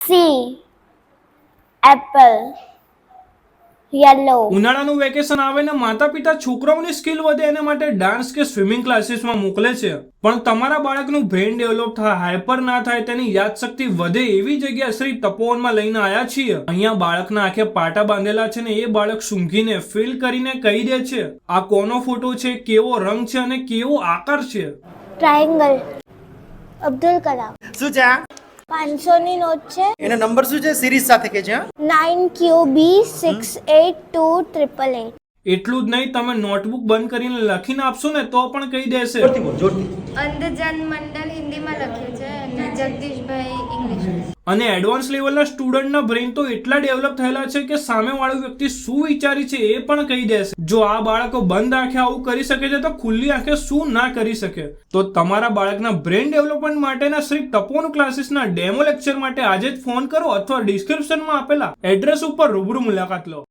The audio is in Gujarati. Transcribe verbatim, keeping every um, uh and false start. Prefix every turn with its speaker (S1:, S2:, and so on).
S1: C. Apple. Yellow.
S2: ઉનાળાનું વેકેશન આવે ને માતા પિતા છોકરાઓની સ્કિલ વધે એના માટે ડાન્સ કે સ્વિમિંગ ક્લાસીસમાં મોકલે છે, પણ તમારા બાળકનું બ્રેન ડેવલપ થાય, હાઈપર ના થાય, તેની યાદશક્તિ વધે એવી જગ્યા શ્રી તપોવનમાં લઈને આવ્યા છીએ. અહીંયા બાળકના આંખે પાટા બાંધેલા છે ને એ બાળક સૂંઘીને ફીલ કરીને કહી દે છે આ કોનો ફોટો છે, કેવો રંગ છે અને કેવો આકાર છે.
S1: Triangle. Abdul Kalam.
S3: શું છે આ?
S1: પાંચસો ની નોટ છે.
S3: એનો નંબર શું છે? સિરીઝ સાથે કે છે?
S1: Nine Q B six eight two triple eight.
S2: એટલું જ નહીં, તમે નોટબુક બંધ કરીને લખીને આપશો ને તો પણ કહી દેશે.
S3: જોરથી બોલ, જોરથી.
S4: અંધજન મંડળ હિન્દીમાં લખ્યું છે અને જગદીશભાઈ ઇંગ્લિશ.
S2: અને એડવાન્સ લેવલના સ્ટુડન્ટના બ્રેન તો એટલા ડેવલપ થયેલા છે કે સામેવાળો વ્યક્તિ શું વિચારી છે એ પણ કહી દેશે. જો આ બાળકો બંધ આંખે આવું કરી શકે છે તો ખુલ્લી આંખે શું ના કરી શકે. તો તમારા બાળકના બ્રેન ડેવલપમેન્ટ માટેના શ્રી તપોવન ક્લાસીસના ડેમો લેક્ચર માટે આજે જ ફોન કરો અથવા ડિસ્ક્રિપ્શનમાં આપેલા એડ્રેસ ઉપર રૂબરૂ મુલાકાત લો.